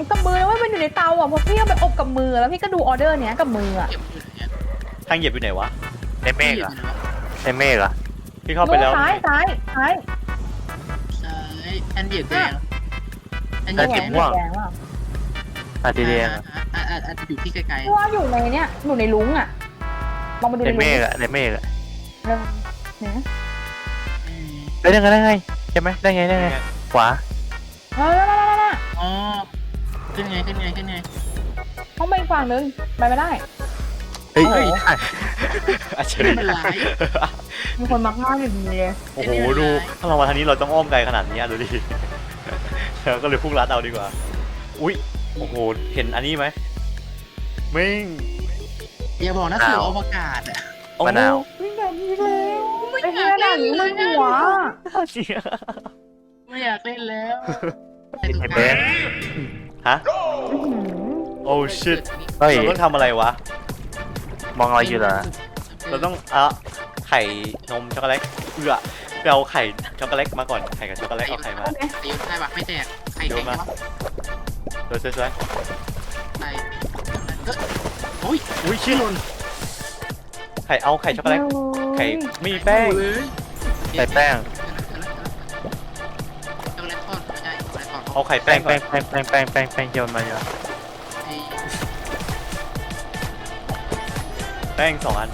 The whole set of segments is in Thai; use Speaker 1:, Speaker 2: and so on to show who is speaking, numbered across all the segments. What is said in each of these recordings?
Speaker 1: นกับมือว่ามันอยู่ในเตาอ่ะเพราะพี่เอาไปอบกับมือแล้วพี่ก็ดูออเดอร์เนี้ยกับมืออ่ะ
Speaker 2: เก็บอยู่เนี่ย
Speaker 3: ทางเหยียบอยู่ไหนวะ
Speaker 4: ในเมฆเหรอในเมฆเหรอ
Speaker 3: พี่เข้าไปแล้ว
Speaker 1: ซ้าย
Speaker 2: ใช่แอนเหยียบแดงแอนเหยียบแดง
Speaker 1: ม่วงแดงว่ะ
Speaker 4: สีแดง
Speaker 2: อาจจะอยู่ที่ไกล
Speaker 1: พี่ว่าอยู่ในเนี้ยอยู่ในลุงอ่ะลองมาดู
Speaker 4: ใน
Speaker 1: ในลุ
Speaker 4: เม
Speaker 1: ง
Speaker 4: ฆอะในเมฆอะ
Speaker 1: เนี่ย
Speaker 4: ได้ไงใช่ไหมได้ไงขวา
Speaker 1: นั่น
Speaker 2: อ๋อขึ้นไง
Speaker 1: ห้องไปอีกฝั่งนึงไปไม่ได้
Speaker 4: เฮ้ย
Speaker 3: อาเฉย
Speaker 2: ไม่เป็นไร
Speaker 1: มีคนมักง่ายอยู่ดีเลย
Speaker 3: โอ้โหดูถ้าเรามาทางนี้เราต้องอ้อมไกลขนาดนี้ดูดิเราก็เลยพุ่งลัดเอาดีกว่าอุ้ยโอ้โหเห็นอันนี้ไหมมิ่ง
Speaker 2: อย่าบอกนะสู่อวกาศอ่ะ
Speaker 4: มะนาว
Speaker 1: ไม่อยากนี้แล้วไอ้เหี้ยหนังมึงหัว
Speaker 3: เสีย
Speaker 2: ไม่อยากเล่นแล้ว
Speaker 4: ไอ้เบน
Speaker 3: ฮะโอ้ชิต
Speaker 4: เฮ้ย
Speaker 3: เราต้องทำอะไรวะ
Speaker 4: มองอะไรอยู่เหรอ
Speaker 3: เราต้องไข่นมช็อกโกแลตไปเอาไข่ช็อกโกแลตมาก่อนไข่กับช็อกโกแลตเอาไข่มา
Speaker 2: ตีใช่ปะไม่แตกไข่แตกวะ
Speaker 3: สวย
Speaker 2: ไข่โอ้ย
Speaker 3: ๆอุ้ยชิลนไข่เอาไข่ช็อกโกแลตไข่มีแป้ง
Speaker 4: ใส่แป้ง
Speaker 2: ช็อกโกแลตทอดไม่ใช่ช็อกโกแลตทอด
Speaker 3: เอาไข่แป้งก่อน
Speaker 4: แป้งโยนมาเยอะ
Speaker 3: แป้ง2 อัน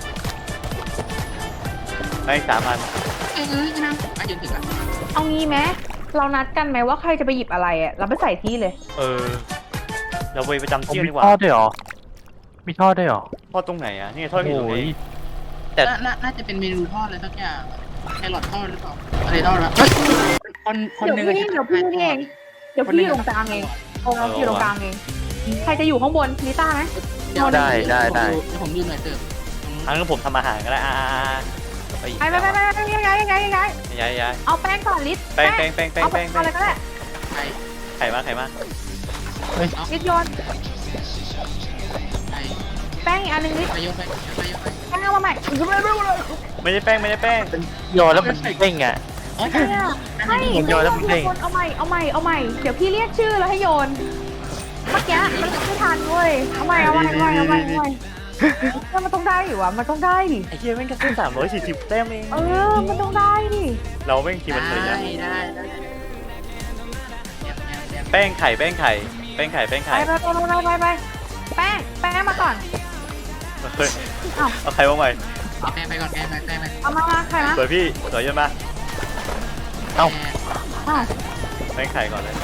Speaker 3: แป้ง3 อัน
Speaker 2: นะมาจนถึงอ่ะ
Speaker 1: เอางี้ไหมเรานัดกันไหมว่าใครจะไปหยิบอะไรอ่ะเราไปใส่ที่เลย
Speaker 3: เราไปประจำที่
Speaker 4: มี
Speaker 3: ดีกว่า
Speaker 4: ทอดด้วยเหรอมีทอดด้วยเหรอ
Speaker 3: ทอดตรงไหนอ่ะนี่ทอดอยู่ตรงไหน แต่
Speaker 2: น่าจะเป็นเมนูทอดอะไรสักอย่างแครอททอดหรือเปล่าอะไรทอดละคนหนึ่ง
Speaker 1: เดี๋ยวพี่นี่เองเดี๋ยวพี่อยู่ตรงกลางเองโอ้อยู่ตรงกลางเองใครจะอยู่ข้างบนนิต้าไหม
Speaker 4: ได้
Speaker 2: ผมยืนหน่อยเติม
Speaker 3: งั้นผมทำอาหารก็ได้ไป
Speaker 1: ไปยังไง
Speaker 3: ย้าย
Speaker 1: เอาแป้งก่อนลิศ
Speaker 3: แป้ง
Speaker 1: เอาอะไรก็ได้
Speaker 2: ไข่
Speaker 3: ไข่มา
Speaker 1: ลิศโยน
Speaker 2: ไข่
Speaker 1: แป้งอีกอันนึงลิศ
Speaker 2: ไปโยนไป
Speaker 1: แป้งเอามาใหม่
Speaker 3: ไม่ได้แป้ง
Speaker 4: โยนแล้วมันเด้งอ่ะ
Speaker 2: อ๋อ
Speaker 1: ให้โยนเอาใหม่เดี๋ยวพี่เรียกชื่อแล้วให้โยนเมื่อกี้มันไม่ทันเว้ยเอาใหม่มันต้องได้อยู่วะมันต้องได้ดิ
Speaker 3: ไอ้เหี้ยแม่งแค่ขึ้น340 แต้มเอง
Speaker 1: มันต้องได้ดิ
Speaker 3: เราแม่งทีมันเลยนะ
Speaker 2: ได้
Speaker 3: แป้งไข่
Speaker 1: ไปแป้งมาก่อน
Speaker 3: เฮ้ยเอาไข่มาใหม่
Speaker 2: แป้งไปก่อนแป้งไป
Speaker 1: เอามาใครนะ
Speaker 3: สวยพี่สวยเยอะมา
Speaker 1: อ้าว
Speaker 3: แป้งไข่ก่อนเลย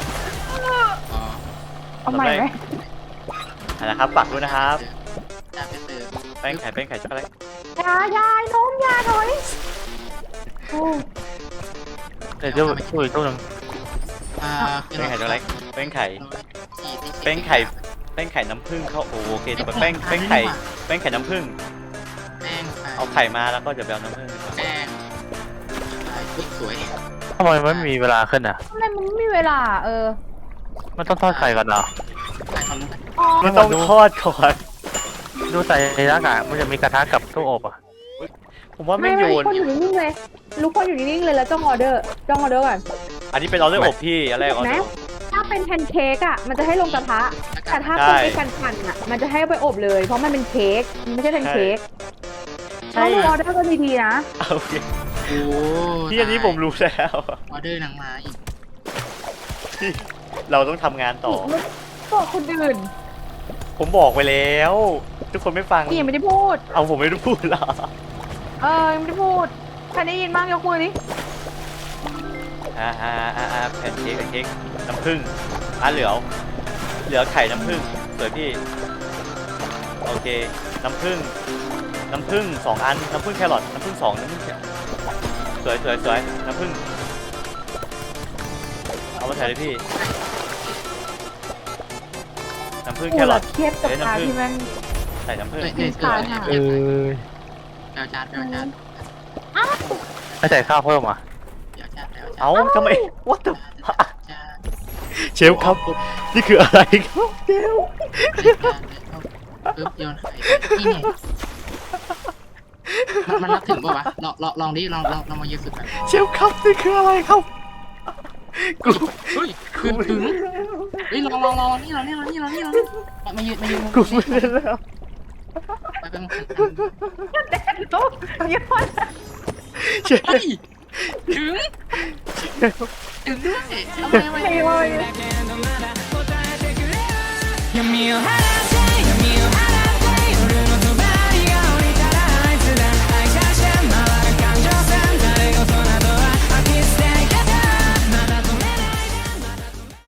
Speaker 1: เอาใหม่ไหม
Speaker 3: นะครับปักด้วยนะครับ
Speaker 2: จะไปเติม
Speaker 3: แป้งไข่ช็อกโกแลต
Speaker 1: ยายน้องยาถอยโอ้
Speaker 4: เดี๋ยวช่วยตู้นึง
Speaker 3: แป้งไข่ช็อกโกแลตแป้งไข่น้ำผึ้งเข้าโอเคต่อไปแป้งไข่น้ำผึ้ง
Speaker 2: แป้ง
Speaker 3: เอาไข่มาแล้วก็จะไปเอาน้ำผึ้ง
Speaker 2: แป้งสวย
Speaker 4: ทำไมมันไม่มีเวลาขึ้นอ่ะ
Speaker 1: ทำไมมันไม่มีเวลา
Speaker 4: มันต้องทอดไข่ก่อนเหรอ
Speaker 2: ไข่ทอดลงไป
Speaker 3: มันต้องทอดก่อน
Speaker 4: ดูใส่ในร่างกายมันจะมีกระทะกับตู้อบอ่ะ
Speaker 3: ผมว่าไม่โยน
Speaker 1: คนอยู่นิ่งเลยลูกคนอยู่นิ่งเลยแล้วจ้องออเดอร์ก่อน
Speaker 3: อันนี้เป็นออเดอร์อบพี่อะไรออเดอร์
Speaker 1: ถ้าเป็นแพนเค้กอ่ะมันจะให้ลงกระทะแต่ถ้าเป็นไอ้กันอ่ะมันจะให้ไปอบเลยเพราะมันเป็นเค้กมันไม่ใช่แพนเค้กต้องดูออเดอร์ก็ดีๆนะ
Speaker 3: โอเค
Speaker 2: โอ้
Speaker 3: ที่อันนี้ผมรู้แล้ว
Speaker 2: ออเดอร์หนังมาอีก
Speaker 3: ที่เราต้องทำงานต่อ
Speaker 1: บอกคนอื่น
Speaker 3: ผมบอกไปแล้ว ทุกคนไม่ฟัง
Speaker 1: พี่ยังไม่ได้พูด
Speaker 3: เอาผมไม่ได้พูดหรอ
Speaker 1: ยังไม่ได้พูดใครได้ยินบ้างยกมือดิ
Speaker 3: แพนเค้กน้ำผึ้งเหลือไข่น้ำผึ้งสวยพี่โอเคน้ำผึ้ง2 อันน้ำผึ้งแครอทน้ำผึ้ง2น้ำผึ้งสวยน้ำผึ้งเอามาใส่เลยพี่น้ำผึ้งแครอท
Speaker 1: เทียบกับปลาที่มัน
Speaker 3: ใส่น้ำผึ้ง
Speaker 2: แปลจาน
Speaker 4: ไม่ใส่ข้าวเพิ่มอ่ะ
Speaker 3: เอ้าทำไม what the เชฟครับนี่คืออะไรครับเชฟ
Speaker 2: ปึ๊บโยนไข่นี่ไงมันรับถึงป่าวะลองดิลองมาเยอะสุดแบบ
Speaker 3: เชฟครับนี่คืออะไรครับกู
Speaker 2: เฮ้ยถึงเฮ้ยรอนี่มายืนมุม
Speaker 3: กู
Speaker 2: นี้
Speaker 3: ไม่ได้แล้ว
Speaker 2: ไปเป็น
Speaker 1: แดนลูกยอด
Speaker 2: เฮ้ยถึงด้วยทำไม
Speaker 1: ไม่เลย
Speaker 5: 闇を晴ら